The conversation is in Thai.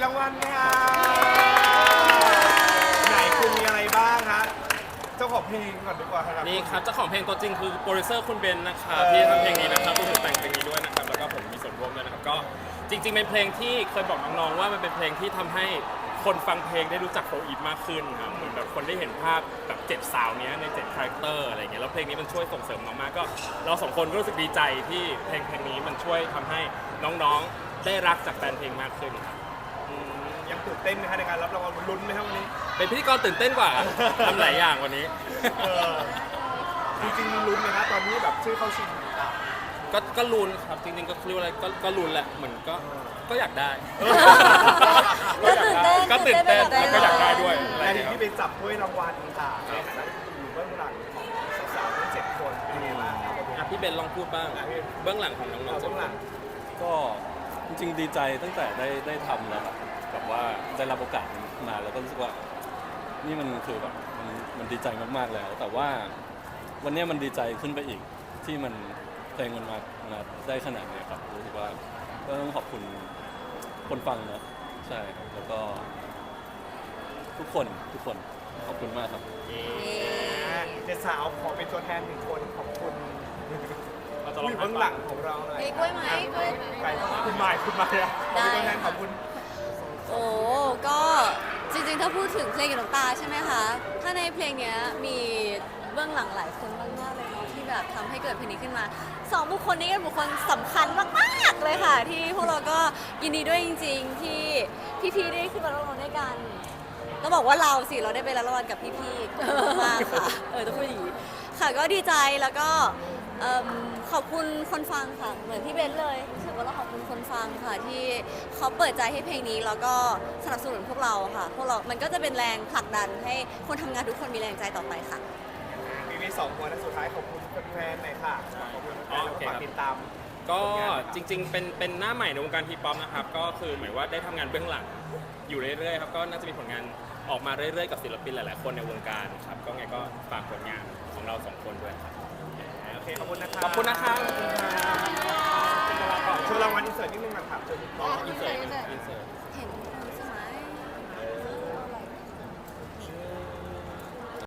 รางวัลค่ะไหนคุณมีอะไรบ้างฮะเจ้าของเพลงก่อนดีกว่าครับนี่ครับเจ้าของเพลงตัวจริงคือโปรดิวเซอร์คุณเบนนะครับที่ทำเพลงนี้นะครับผู้แต่งเพลงนี้ด้วยนะครับแล้วก็ผมมีส่วนร่วมด้วยนะครับก็จริงๆเป็นเพลงที่เคยบอกน้องๆว่ามันเป็นเพลงที่ทำให้คนฟังเพลงได้รู้จักโฟอีฟมากขึ้นครับเหมือนแบบคนได้เห็นภาพแบบ7สาวเนี้ยใน7คาแรคเตอร์อะไรเงี้ยแล้วเพลงนี้มันช่วยส่งเสริมมากๆก็เราสองคนก็รู้สึกดีใจที่เพลงนี้มันช่วยทำให้น้องๆได้รักจากแฟนเพลงมากขึ้นครับยังตื่นเต้นไหมฮะในการรับรางวัลลุ้นไหมครับวันนี้เป็นพิธีกรตื่นเต้นกว่าทำหลายอย่างวันนี้จริงๆลุ้นไหมฮะตอนนี้แบบชื่อเข้าชิงต่างก็ลุ้นครับจริงๆก็เรียกว่าอะไรก็ลุ้นแหละเหมือนก็อยากได้ ก็ตื่นเต้นแล้วก็อยากได้ด้วยอะไรในอย่างเงี้ยที่ไปจับถ้วยรางวัลค่ะในฐานะที่อยู่เบื้องหลังของสาวๆทั้ง7คนเป็นไงบ้างครับอ่ะพี่เบนลองพูดบ้างเบื้องหลังของน้องๆเบื้องหลังก็จริงๆดีใจตั้งแต่ได้ทำแล้วครับแบบว่าได้รับโอกาสมาแล้วก็รู้สึกว่านี่มันคือแบบมันดีใจมากๆแล้ว แต่ว่าวันนี้มันดีใจขึ้นไปอีกที่มันเพลงมันมาได้ขนาดนี้ครับรู้สึกว่าก็ต้องขอบคุณคนฟังเนอะใช่ครับแล้วก็ทุกคนขอบคุณมากครับเด็กสาวขอเป็นตัวแทน1คนขอบคุณเราจะผู้ลอองยู่เบื้องหลังของเราหน่อยมีกล้วยไหมกล้วยใครคุณหมายอะขอเป็นตัวแทนขอบคุณโอ้ก็จริงๆ ถ้าพูดถึงเพลงกับน้ำตาใช่ไหมคะ ถ้าในเพลงเนี้ยมีเบื้องหลังหลายคนมากๆเลยเนาะที่แบบทำให้เกิดเพลงนี้ขึ้นมา2บุคคลนี้เป็นบุคคลสำคัญมากๆเลยค่ะ ที่พวกเราก็ยินดีด้วยจริงๆ ที่พี่ๆได้ขึ้นมาร้องด้วยกันต้องบอกว่าเราสิเราได้ไปรับรางวัลกับพี่ๆมากค่ะต้องพูดอย่างนี้ค่ะก็ดีใจแล้วก็ขอบคุณคนฟังค่ะเหมือนพี่เบนเลยรู้สึกว่าเราขอบคุณคนฟังค่ะที่เขาเปิดใจให้เพลงนี้แล้วก็สนับสนุนพวกเราค่ะพวกเรามันก็จะเป็นแรงผลักดันให้คนทำงานทุกคนมีแรงใจต่อไปค่ะมี2คนและสุดท้ายขอบคุณแฟนๆหน่อยค่ะขอบคุณแฟนๆแล้วก็ฝากติดตามก็จริงๆเป็นหน้าใหม่ในวงการทีป๊อปนะครับก็คือหมายว่าได้ทำงานเบื้องหลังอยู่เรื่อยๆครับก็น่าจะมีผลงานออกมาเรื่อยๆกับศิลปินหลายๆคนในวงการครับก็ไงก็ฝากผลงานของเรา2คนด้วยครับโอเคขอบคุณนะครับขอบคุณนะครับโชว์รางวัลอินเสิร์ตนิดนึงนะครับเชิญคุณพ่ออินเสิร์ตอินเสิร์ตเห็น